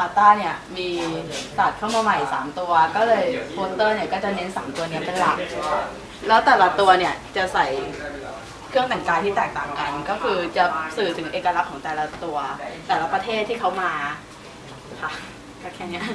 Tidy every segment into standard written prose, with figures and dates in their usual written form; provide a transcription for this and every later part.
าต้าเนี่ยมีตัดเข้ามาใหม่3ตัวก็เลยโปสเตอร์เนี่ยก็จะเน้น3ตัวนี้เป็นหลักแล้วแต่ละตัวเนี่ยจะใส่เครื่องแต่งกายที่แตกต่างกันก็คือจะสื่อถึงเอกลักษณ์ของแต่ละตัวแต่ละประเทศที่เขามาค่ะก็แค่นี้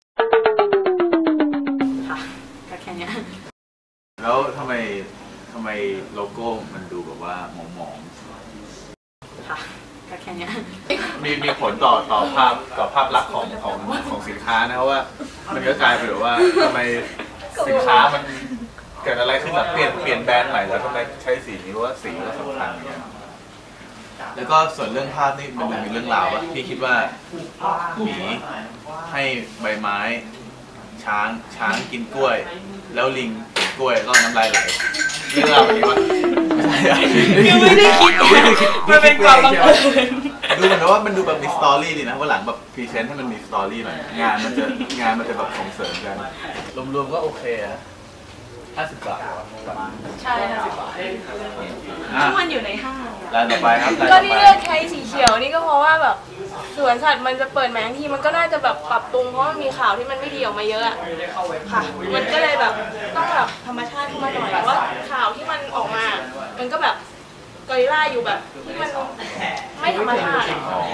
ค่ะก็แค่นี้แล้วทำไมโลโก้มันดูแบบว่าหมองๆค่ะก็แค่นี้มีผลต่อภาพลักษณ์ของสินค้านะเพราะว่ามันก็กลายเป็นแบบว่าทำไมสินค้ามันเกิดอะไรขึ้นแบบเปลี่ยนแบรนด์ใหม่แล้วทำไมใช้สีนี้ว่าสีก็สำคัญอย่างเงี้ยแล้วก็ส่วนเรื่องภาพนี่มันมีเรื่องราวว่าพี่คิดว่าหมีให้ใบไม้ช้างกินกล้วยแล้วลิงกินกล้วยก็น้ำลายไหลเรื่องราวแบบนี้วะไม่ได้คิดมันเป็นความบังเอิญดูเหมือนว่ามันดูแบบมีสตอรี่ดีนะว่าหลังแบบพรีเซนต์ให้มันมีสตอรี่หน่อยงานมันจะแบบส่งเสริมกันรวมๆก็โอเคนะ50 บาทใช่50 บาททุกวันอยู่ในห้างร้านต่อไปครับก็ที่เลือกใช้สีเขียวนี่ก็เพราะว่าแบบสวนสัตว์มันจะเปิดแมงทีมันก็น่าจะแบบปรับปรุงเพราะมันมีข่าวที่มันไม่ดีออกมาเยอะค่ะมันก็เลยแบบต้องแบบธรรมชาติขึ้นมาหน่อยเพราะข่าวที่มันออกมามันก็แบบกอริลลาอยู่แบบที่มันไม่ธรรมชาติ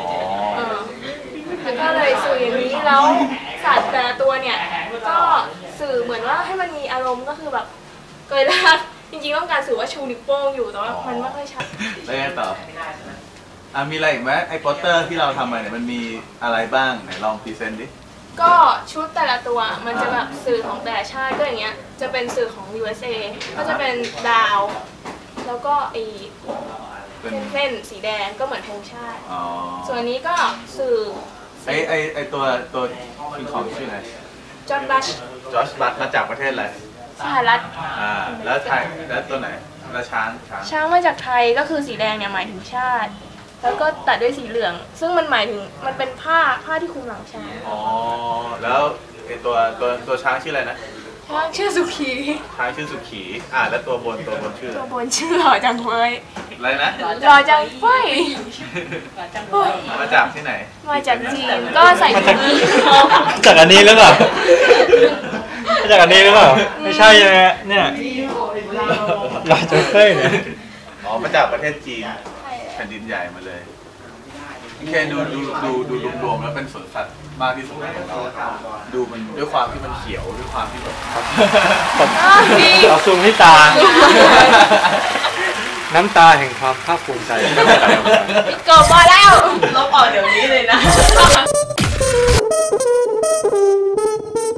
แล้วก็เลยสื่ออย่างนี้แล้วสัตว์แต่ละตัวเนี่ยก็สื่อเหมือนว่าให้มันมีอารมณ์ก็คือแบบกอริลลาจริงๆต้องการสื่อว่าชูนิ้วโป้งอยู่แต่ว่ามันไม่ค่อยชัดแล้วไงต่อมีอะไรอีกไหมไอ้โปสเตอร์ที่เราทำมาเนี่ยมันมีอะไรบ้างไหนลองพรีเซนต์ดิก็ชุดแต่ละตัวมันจะแบบสื่อของแต่ละชาติก็อย่างเงี้ยจะเป็นสื่อของ USA ก็จะเป็นดาวแล้วก็ไอเส้นสีแดงก็เหมือนธงชาติส่วนนี้ก็สื่อไอตัวคิงคองชื่ออะไรจอร์จบัชมาจากประเทศอะไรสหรัฐแล้วไทยแล้วตัวไหนแล้วช้างมาจากไทยก็คือสีแดงเนี่ยหมายถึงชาติแล้วก็ตัดด้วยสีเหลืองซึ่งมันหมายถึงมันเป็นผ้าที่คลุมหลังช้างแล้วไอตัวช้างชื่ออะไรนะช้างชื่อสุขีช้างชื่อสุขีแล้วตัวบนชื่อหล่อจังเว้ยอะไรนะหล่อจังเว้ยมาจากที่ไหนมาจากจีนก็ใส่ถุงมือจากอันนี้หรือเปล่าจากอันนี้หรือเปล่าไม่ใช่ใช่ไหมเนี่ยหล่อจังเว้ยเนี่ยมาจากประเทศจีนแผ่นดินใหญ่มาเลยแค่ดูรวมๆแล้วเป็นสวนสัตว์มากที่สุดของเราดูมันด้วยความที่มันเขียวด้วยความที่แบบเอาซูมที่ตาน้ำตาแห่งความภาคภูมิใจจบมาแล้วลบออกเดี๋ยวนี้เลยนะ